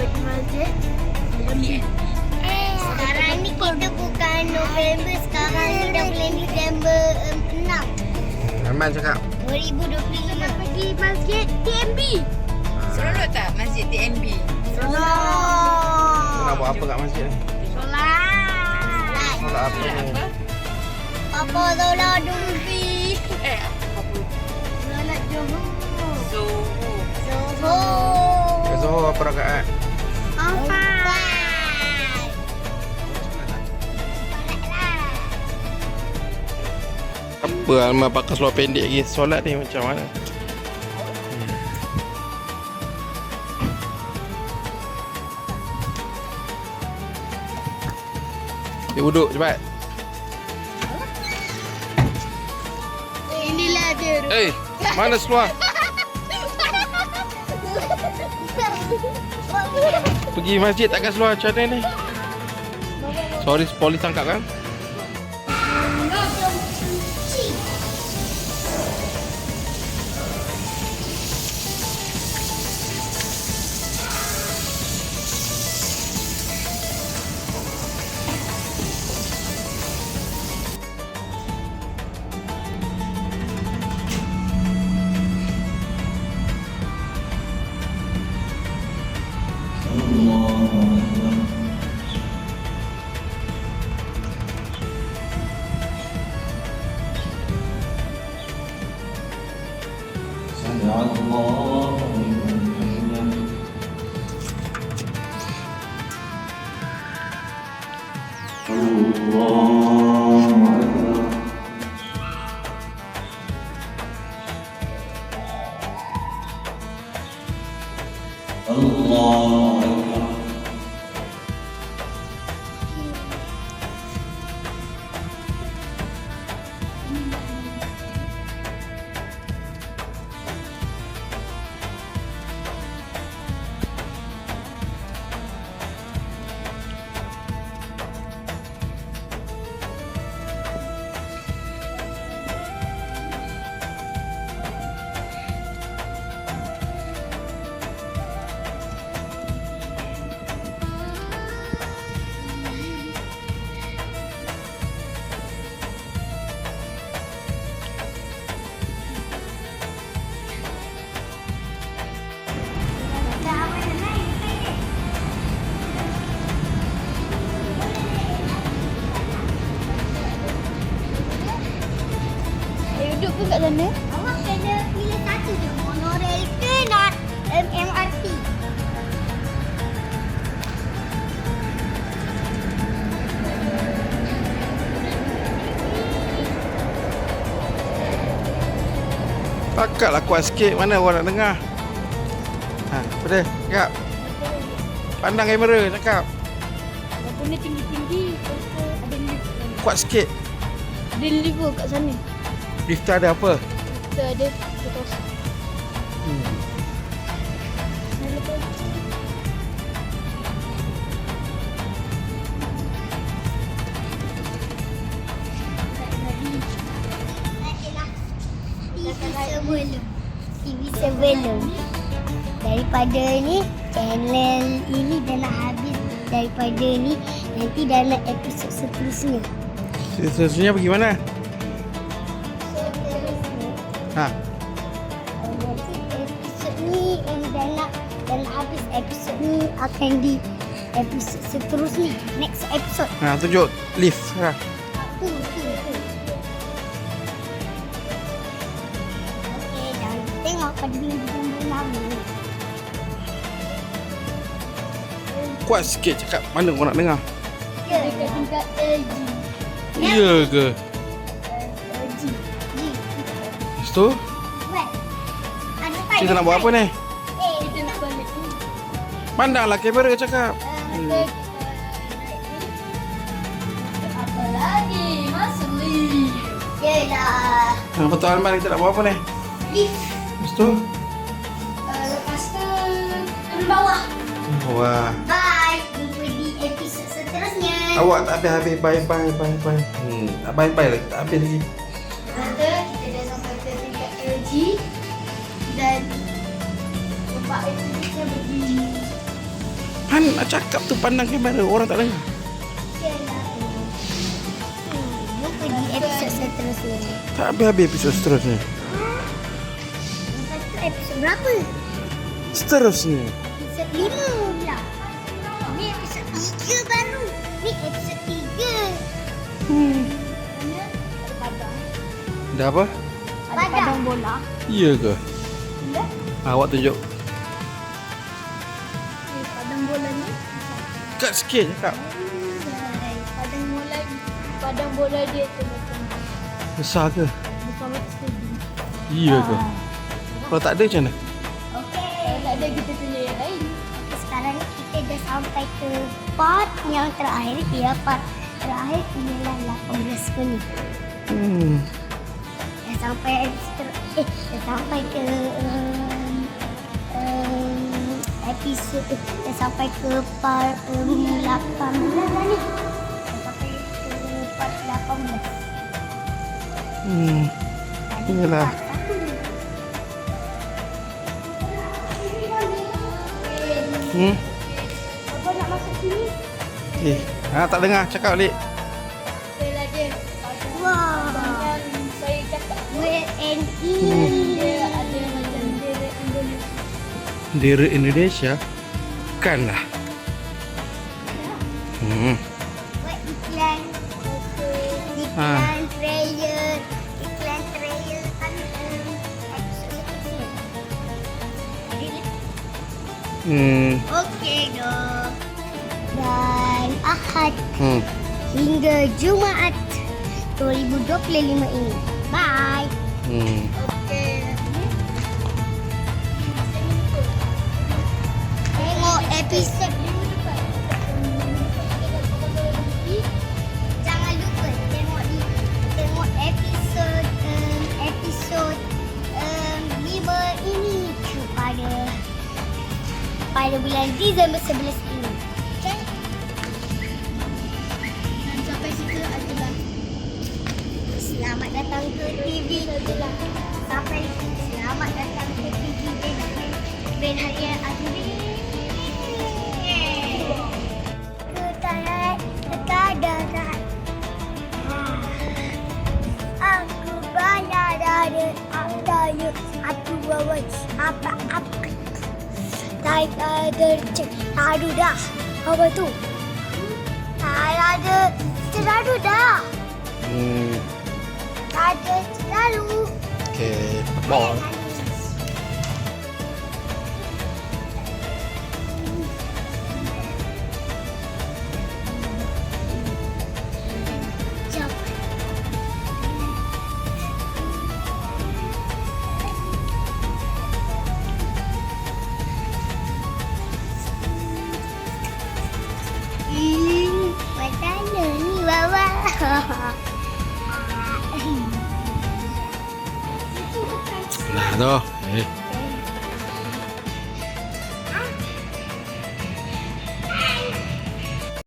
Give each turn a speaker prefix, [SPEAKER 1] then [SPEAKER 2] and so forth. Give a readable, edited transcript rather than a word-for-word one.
[SPEAKER 1] pergi masjid.
[SPEAKER 2] Sekarang ni kita bukan November, sekarang ni dah bulan Disember 6
[SPEAKER 3] Aman cakap.
[SPEAKER 2] 2025.
[SPEAKER 1] Nak pergi masjid TMB.
[SPEAKER 4] Seronok tak masjid TNB?
[SPEAKER 3] Kau nak buat apa kat masjid ni?
[SPEAKER 2] Solat.
[SPEAKER 3] Solat apa ni?
[SPEAKER 2] Apa solat dumpi?
[SPEAKER 4] Apa?
[SPEAKER 1] Solat Johor.
[SPEAKER 4] Zuhur.
[SPEAKER 2] Zohor.
[SPEAKER 3] Kat Zohor apa rakaat?
[SPEAKER 2] 4.
[SPEAKER 3] Apa Alma pakai seluar pendek lagi? Solat ni macam mana? Dia duduk cepat.
[SPEAKER 1] Inilah dia.
[SPEAKER 3] Mana seluar? Pergi masjid takkan seluar macam mana ni? Sorry, polis tangkap kan?
[SPEAKER 1] Duduk pun kat sana.
[SPEAKER 2] Awak kena pilih satu je, monorail ke nak MRT?
[SPEAKER 3] Takatlah kuat sikit. Mana orang nak dengar? Apa dia? Cakap. Pandang kamera cakap.
[SPEAKER 1] Lepas ni tinggi-tinggi. Ada lift.
[SPEAKER 3] Kuat sikit.
[SPEAKER 1] Ada lift pun kat sana.
[SPEAKER 3] Lift tu ada apa?
[SPEAKER 1] Kita ada. Betul.
[SPEAKER 2] TV sebelum daripada ni channel ini dah nak habis, daripada ni nanti dalam episod seterusnya.
[SPEAKER 3] Seterusnya pergi mana?
[SPEAKER 2] Nanti episod ni dah nak habis, episod ni akan di episod seterusnya, next episode.
[SPEAKER 3] Tunjuk lift.
[SPEAKER 2] Tu. Okey, dan tengok pada minggu lama.
[SPEAKER 3] Kuat sikit cakap. Mana orang nak dengar?
[SPEAKER 2] Ya,
[SPEAKER 1] Dekat tingkat LG.
[SPEAKER 3] Ya ke?
[SPEAKER 2] G.
[SPEAKER 3] Lepas tu,
[SPEAKER 2] Buat. Ada
[SPEAKER 3] kita nak buat apa ni?
[SPEAKER 1] Kita nak balik.
[SPEAKER 3] Pandanglah kamera cakap.
[SPEAKER 1] Apa lagi? Masuk lift.
[SPEAKER 2] Yelah.
[SPEAKER 3] Betul Alman, kita nak buat apa ni?
[SPEAKER 2] Lift.
[SPEAKER 3] Lepas tu,
[SPEAKER 1] Lepas tu turun bawah.
[SPEAKER 3] wah.
[SPEAKER 2] Bye. Jumpa di episod seterusnya.
[SPEAKER 3] Awak tak habis-habis. Bye. Tak bye-bye lagi. Tak habis lagi.
[SPEAKER 1] Kata kita dah sampai ke tingkat LG dan tempat itu kita begini.
[SPEAKER 3] Kan nak cakap tu pandang kamera, orang tak dengar.
[SPEAKER 2] You pergi episod seterusnya.
[SPEAKER 3] Tak habis-habis episod seterusnya.
[SPEAKER 2] Lepas tu episod berapa?
[SPEAKER 3] Seterusnya.
[SPEAKER 2] Episod 5 pula. Ni episod 3 baru. Ni episod 3.
[SPEAKER 1] Mana? Ada padang.
[SPEAKER 3] Dah apa?
[SPEAKER 1] Ada
[SPEAKER 2] Padang.
[SPEAKER 1] padang bola.
[SPEAKER 3] Iya ke?
[SPEAKER 1] Ya.
[SPEAKER 3] Awak tunjuk.
[SPEAKER 1] Padang bola ni.
[SPEAKER 3] Dekat sikit cakap.
[SPEAKER 1] Padang bola dia tu macam
[SPEAKER 3] Besar ke?
[SPEAKER 1] besar macam stadium.
[SPEAKER 3] Iya ke? Kalau tak ada macam mana?
[SPEAKER 2] Okey.
[SPEAKER 1] Kalau tak ada kita tunjuk yang lain.
[SPEAKER 2] Sekarang ni kita dah sampai ke part yang terakhir. Ya, part terakhir ialah 18 minit. Dah sampai dah sampai ke episod dah sampai ke part 18 dah ni. Dah sampai ke part 18. Tadi
[SPEAKER 3] Iyalah.
[SPEAKER 2] part 1.
[SPEAKER 1] Apa nak masuk sini?
[SPEAKER 3] Tak dengar cakap balik.
[SPEAKER 1] Saya dia.
[SPEAKER 2] Wah.
[SPEAKER 1] Dengan saya cakap.
[SPEAKER 2] Wait and
[SPEAKER 1] Dia ada macam dia Indonesia.
[SPEAKER 3] Diri Indonesia. Bukanlah.
[SPEAKER 2] Buat iklan. Iklan trailer. Iklan trailer kan episod seterusnya. Okey dong. Dan Ahad hingga Jumaat 2025 ini. Bye.
[SPEAKER 1] Okey.
[SPEAKER 2] Tengok episod. Jangan lupa tengok episod episod 5 ini pada bulan Disember 11 ini. Okey?
[SPEAKER 1] Dan sampai situ adalah
[SPEAKER 2] Selamat datang ke TV. Selamat datang ke TV Ben Harian Azuri. Kekadaran. Aku banyak ada aku bawa apa tak ada aduh dah apa tu tak ada terlalu dah tak ada terlalu
[SPEAKER 3] Okay. Ball.
[SPEAKER 2] jump. Macam ni Wawa.
[SPEAKER 3] Nah tu.